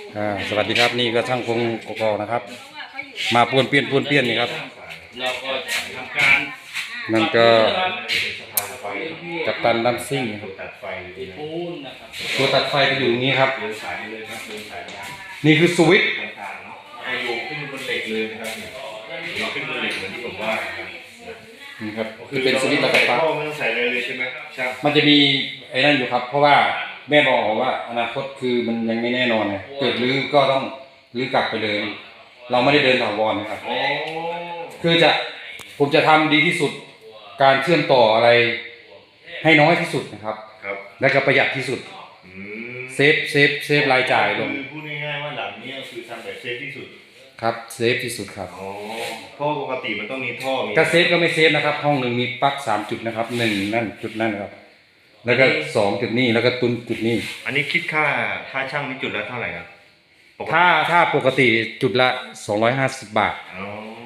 สวัสดีครับนี่ก็ช่างพงกกนะครับมาป้วนเปี้ยนนี่ครับเราก็ทำการนั่นก็กัปตันดัมซิ่งครับตัดไฟปูนนะครับตัวตัดไฟก็อยู่ตรงนี้ครับเดินสายเลยครับเดินสายยางนี่คือสวิตช์ต่างๆเนาะเอาโยงขึ้นบนเหล็กเลยนะครับโยงขึ้นบนเหล็กเหมือนที่ผมว่าครับนี่ครับคือเป็นสวิตช์ระบบปลั๊กไม่ต้องใส่อะไรเลยใช่ไหมใช่มันจะมีไอ้นั่นอยู่ครับเพราะว่าแม่บอกว่าอนาคตคือมันยังไม่แน่นอนไงเกิดรื้อก็ต้องรื้อกลับไปเลย เราไม่ได้เดินถาวรนะครับโอ้คือผมจะทำดีที่สุดการเชื่อมต่ออะไรให้น้อยที่สุดนะครับครับและก็ประหยัดที่สุดอืมเซฟรายจ่ายลงคือพูดง่ายๆว่าหลังนี้คือทำแบบเซฟที่สุดครับเซฟที่สุดครับอ๋อเพราะปกติมันต้องมีท่อมีถ้าเซฟก็ไม่เซฟนะครับ ห้องหนึ่งมีปลั๊ก3 จุดนะครับ1นั่นจุดนั่นครับแล้วก็2 จุดนี้แล้วก็ตุนจุดนี้อันนี้คิดค่าช่างนี่จุดละเท่าไหร่ครับปกติถ้าปกติจุดละ250 บาทอ๋อ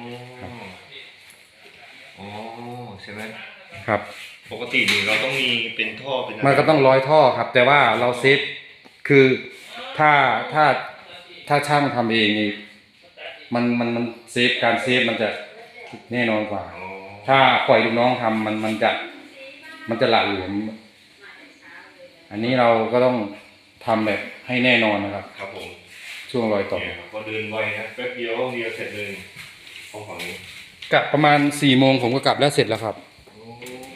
อ๋อใช่ไหมครับปกตินี่เราต้องมีเป็นท่อเป็นอะไรมันก็ต้อง100 ท่อครับ แต่ว่าเราเซฟคือถ้าช่างทำเองนี่มันเซฟการเซฟมันจะแน่นอนกว่าอ๋อถ้าปล่อยลูกน้องทำมันจะหละหลวมอันนี้เราก็ต้องทำแบบให้แน่นอนนะครับครับผมช่วงรอยต่อเนี่ยก็เดินไวนะแป๊บเดียวเสร็จเลยห้องฝั่งนี้กะประมาณ4 โมงผมก็กลับแล้วเสร็จแล้วครับโอ้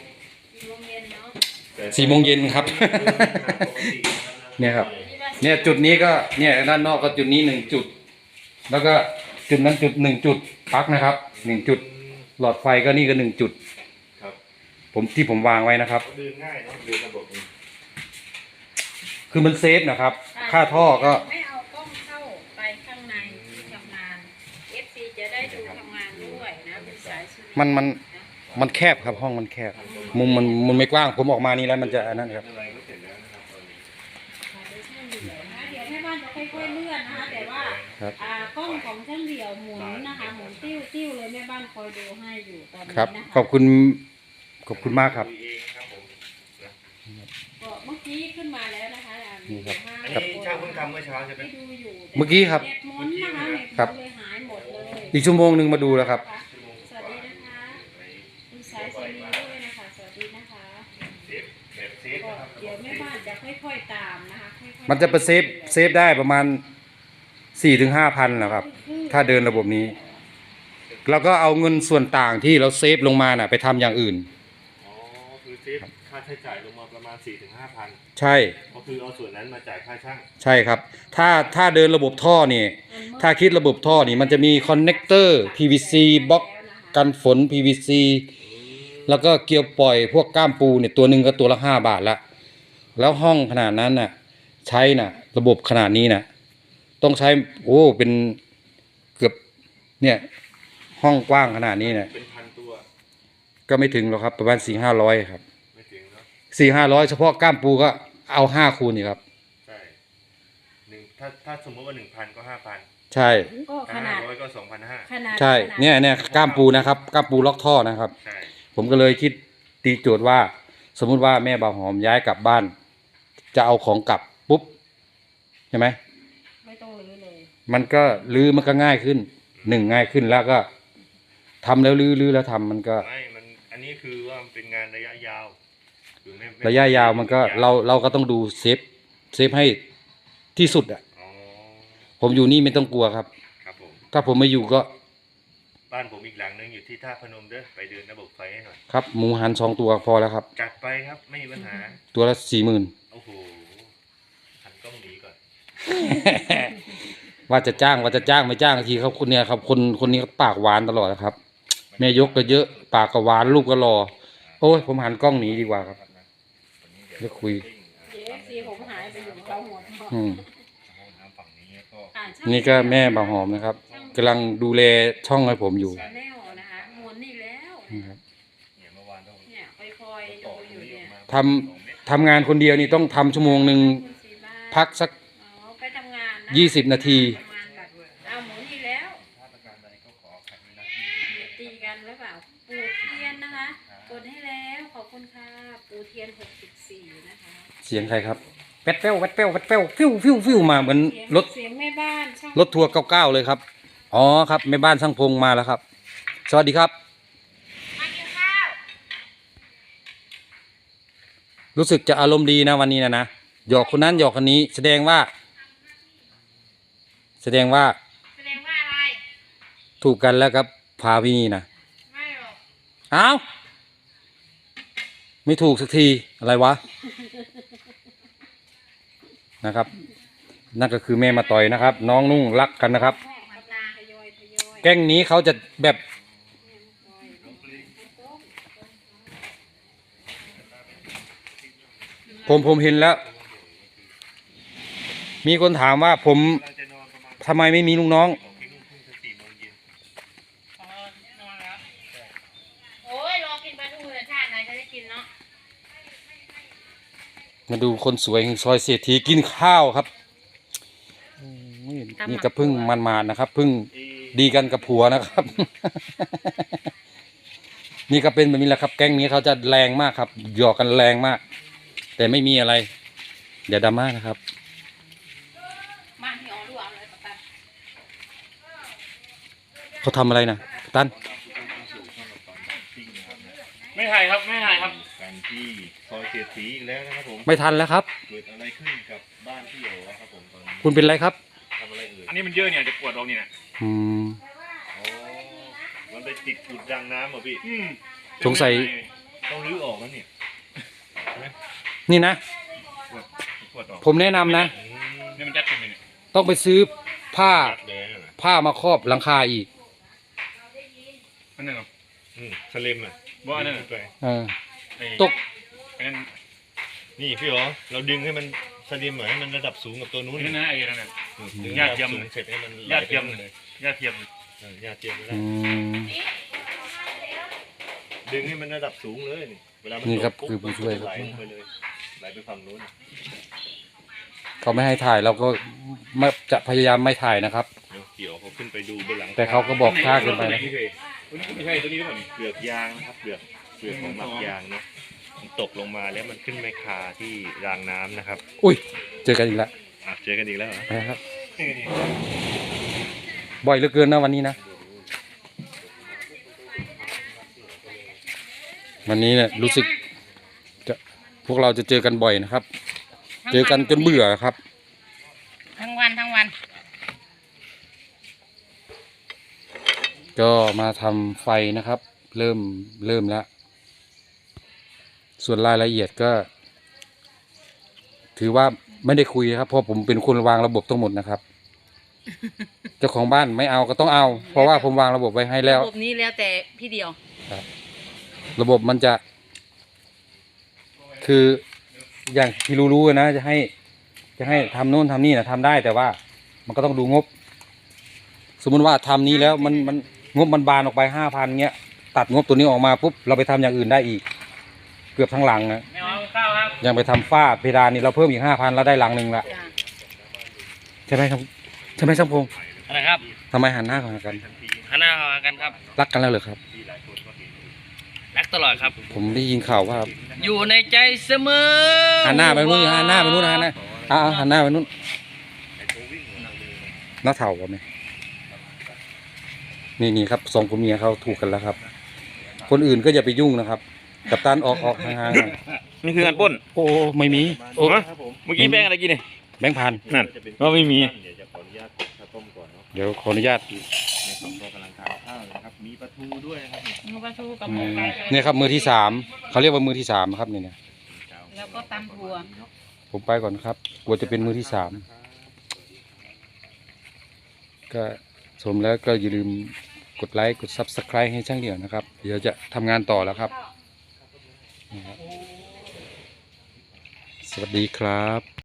4 โมงเย็นครับ เนี่ยครับ เนี่ยจุดนี้ก็เนี่ยด้านนอกก็จุดนี้1 จุด แล้วก็จุดนั้นจุด1 จุดปลั๊กนะครับ1 จุดหลอดไฟก็นี่ก็1 จุดครับที่ผมวางไว้นะครับเดินง่ายเนาะเดินระบบนี้คือมันเซฟนะครับ ค่าท่อก็ไม่เอากล้องเข้าไปข้างในที่ทำงาน FC จะได้ดูทำงานด้วยนะเป็นสายสุดมันแคบครับห้องมันแคบมุมมันไม่กว้างผมออกมานี่แล้วมันจะอันนั้นครับอะไรก็เสร็จแล้วนะครับตอนนี้เดี๋ยวแม่บ้านจะค่อยๆเลื่อนนะคะแต่ว่าครับกล้องของช่างเดี่ยวหมุนนะคะหมุนติ้วเลยแม่บ้านคอยดูให้อยู่ตอนนี้ครับนะคะขอบคุณมากครับคุยเองครับผมนะก็เมื่อกี้ขึ้นมาแล้วนะคะนี่ครับอันนี้ช่างเพิ่งทำเมื่อเช้าใช่ไหมที่ดูอยู่เมื่อกี้ครับเน็ตหมุนนะคะเน็ตหครัมุบนเลยหายหมดเลยอีกชั่วโมงหนึ่งมาดูแล้วครับสวัสดีนะคะคุณสายซีนีด้วยนะคะสวัสดีนะคะเซฟแบบเซฟก็นะครับเดี๋ยวแม่บ้านจะค่อยๆตามนะคะค่อยๆมันจะเซฟได้ประมาณ 4-5 พันนะครับ ถ้าเดินระบบนี้ แล้วก็เอาเงินส่วนต่างที่เราเซฟลงมาน่ะไปทำอย่างอื่นอ๋อคือเซฟค่าใช้จ่ายลงมาประมาณ 4-5,000 ใช่ก็คือเอาส่วนนั้นมาจ่ายค่าช่างใช่ครับ ถ้าเดินระบบท่อนี่ ถ้าคิดระบบท่อนี่มันจะมีคอนเนคเตอร์ PVC บล็อกกันฝน PVC แล้วก็เกลียวปล่อยพวกก้ามปูเนี่ยตัวหนึ่งก็ตัวละ5 บาทละแล้วห้องขนาดนั้นน่ะใช้น่ะระบบขนาดนี้น่ะต้องใช้เป็นเกือบเนี่ยห้องกว้างขนาดนี้น่ะเป็นพันตัวก็ไม่ถึงหรอกครับประมาณ400-500ครับไม่ถึงเนาะ 400-500เฉพาะก้ามปูก็เอา5 คูณนี่ครับใช่ถ้าสมมติว่า 1,000 ก็ 5,000 ใช่ก็ขนาด 500 ก็ 2,500 ขนาดใช่เนี่ยก้ามปูนะครับก้ามปูล็อกท่อนะครับใช่ผมก็เลยคิดตีโจทย์ว่า สมมุติว่าแม่บ่าวหอมย้ายกลับบ้าน จะเอาของกลับปุ๊บใช่ไหมไม่ต้องรื้อเลยมันก็รื้อมันก็ง่ายขึ้นง่ายขึ้นแล้วก็ทำแล้วรื้อแล้วทำมันก็ไม่มันอันนี้คือว่ามันเป็นงานระยะยาวคือไม่ระยะยาวมันก็เราก็ต้องดูเซฟให้ที่สุดอ่ะอ๋อผมอยู่นี่ไม่ต้องกลัวครับครับผมถ้าผมไม่อยู่ก็บ้านผมอีกหลังนึงอยู่ที่ท่าพนมเด้อไปเดินระบบไฟให้หน่อยครับหมูหัน2 ตัวพอแล้วครับจัดไปครับไม่มีปัญหาตัวละ40,000 โอ้โหหันกล้องหนีก่อนว่าจะจ้างไม่จ้างทีครับคนเนี่ยครับคนนี้เขาปากหวานตลอดนะครับ แม่ยกก็เยอะปากก็หวานลูกก็รอโอ้ยผมหันกล้องหนีดีกว่าครับเดี๋ยวคุยเดี๋ยว FC ผมหายไปอยู่เขาหมดอืมห้องน้ำฝั่งนี้ก็นี่ก็แม่บ่าวหอมนะครับกำลังดูแลช่องให้ผมอยู่ชาแนลนะคะหมุนนี่แล้วนี่ครับเนี่ยเมื่อวานต้องเนี่ยคอยๆดูอยู่เนี่ยทำงานคนเดียวนี่ต้องทำชั่วโมงหนึ่งคุณศรีบ้านพักสักอ๋อไปทำงานนะ 20 นาทีทำงานแบบเอาหมุนนี่แล้วมาตรการใดก็ขอขัดนะตีกันหรือเปล่าปูเทียนนะคะกดให้แล้วขอบคุณค่ะปูเทียน64นะคะเสียงใครครับแวดเป้วฟิวมาเหมือนรถเสียงแม่บ้ารถทัวร์99เลยครับอ๋อครับแม่บ้านช่างพงมาแล้วครับสวัสดีครับมากินข้าวรู้สึกจะอารมณ์ดีนะวันนี้นะหยอกคนนั้นหยอกคนนี้แสดงว่าแสดงว่าอะไรถูกกันแล้วครับพาพี่นี่นะไม่หรอกอ้าวไม่ถูกสักทีอะไรวะ นะครับ นั่นก็คือแม่มาต่อยนะครับ น้องนุ่งรักกันนะครับมาตาทยอยแก๊งนี้เขาจะแบบผมเห็นแล้ว มีคนถามว่าผมทำไมไม่มีลูกน้องโอ้ยรอกินปลาทูเลยชาติไหนจะได้กินเนาะมาดูคนสวยแห่งซอยเศรษฐีกินข้าวครับโอ้ยนี่ก็เพึ่งมันมานะครับเพึ่งดีกันกับผัวนะครับ นี่ก็เป็นแบบนี้แหละครับ แก๊งนี้เขาจะแรงมากครับหยอกกันแรงมาก แต่ไม่มีอะไรอย่าดราม่านะครับมาที่อ๋อรู้เอาเลยปะตันเขาทำอะไรนะตั้นไม่ถ่ายครับไม่ถ่ายครับกันที่ซอยเศรษฐีอีกแล้วนะครับผมไม่ทันแล้วครับเกิดอะไรขึ้นกับบ้านพี่โอ๋ครับผมตอนนี้คุณเป็นไรครับทำอะไรเอ่ยอันนี้มันเยอะเนี่ยจะปวดเราเนี่ยอืมอ๋อมันไปติดกุดดังน้ำเหรอพี่สงสัยต้องรื้อออกแล้วเนี่ยนี่นะปวดออกผมแนะนำนะนี่มันยัดยังไงเนี่ยต้องไปซื้อผ้ายัดเลยนะผ้ามาครอบหลังคาอีกอันนั้นเหรอสลิมอ่ะว่าอันนั้นไปเออตกอันนั้นนี่พี่โอ๋เราดึงให้มันสลิมหน่อยให้มันระดับสูงกับตัวนู้นนี่นะไอ้นั่นน่ะดึงยาเทียมระดับสูงเสร็จให้มันยาเทียมเลยยาเทียมยาเทียมไม่ได้อืมดึงให้มันระดับสูงเลยนี่เวลามันนี่ครับตกคือผู้ช่วยมันไหลลงไปเลยไหลไปฝั่งนู้นเขาไม่ให้ถ่ายเราก็ไม่จะพยายามไม่ถ่ายนะครับเดี๋ยวเขาขึ้นไปดูบนหลังแต่เขาก็บอกช้าเกินไปนะตัวนี้ไม่ใช่ตัวนี้หรือเปล่านี่เปลือกยางนะครับเปลือกของหมักยางเนาะมันตกลงมาแล้วมันขึ้นไม่คาที่รางน้ำนะครับอุ้ยเจอกันอีกแล้วเจอกันอีกแล้วเหรอนะครับ บ่อยเหลือเกินนะวันนี้นะวันนี้เนี่ยรู้สึกจะพวกเราจะเจอกันบ่อยนะครับ เจอกันจนเบื่อครับทั้งวันทั้งวันก็มาทำไฟนะครับ เริ่มแล้ว ส่วนรายละเอียดก็ ถือว่าไม่ได้คุยนะครับเพราะผมเป็นคนวางระบบทั้งหมดนะครับ เจ้าของบ้านไม่เอาก็ต้องเอา เพราะว่าผมวางระบบไว้ให้แล้วระบบนี้แล้วแต่พี่เดียวระบบมันจะ คืออย่างที่รู้ๆนะจะให้ทำโน่นทำนี่นะทำได้แต่ว่ามันก็ต้องดูงบ สมมุติว่าทำนี้แล้วมันงบมันบานออกไป5,000เงี้ย ตัดงบตัวนี้ออกมาปุ๊บเราไปทำอย่างอื่นได้อีก เกือบทั้งหลังนะไม่เอาข้าวครับยังไปทำฝ้าเพดานนี่เราเพิ่มอีก5,000แล้วได้หลังหนึ่งละจ้ะใช่ไหมครับใช่ไหมช่างพงษ์อะไรครับทำไมหันหน้าเข้าหากันหันหน้าเข้าหากันครับรักกันแล้วเหรอครับรักตลอดครับผมได้ยินข่าวว่าอยู่ในใจเสมอหันหน้าไปนู้นหันหน้าไปนู้นหันหน้าหันหน้าไปนู้นหน้าเถ่าไหมนี่ครับสองผัวเมียเขาถูกกันแล้วครับ คนอื่นก็อย่าไปยุ่งนะครับ กัปตันออกห่างๆหน่อยนี่คือการปล้นโอ้ไม่มีโอ้เมื่อกี้แบงอะไรกินเนี่ยแบงค์พันนั่นว่าไม่มีเดี๋ยวจะขออนุญาตข้าวต้มก่อนเนาะเดี๋ยวขออนุญาตในสองตัวกำลังทานข้าวนะครับมีปลาทูด้วยนะครับหมูปลาทูกับอืหมูมไก่เนี่ยครับมือที่3เขาเรียกว่ามือที่3ครับเนี่ยแล้วก็ตำถั่วผมไปก่อนครับกลัวจะเป็นมือที่3ก็ชมแล้วก็อย่าลืมกดไลค์กด Subscribe ให้ช่างเดี่ยวนะครับ เดี๋ยวจะทำงานต่อแล้วครับ สวัสดีครับ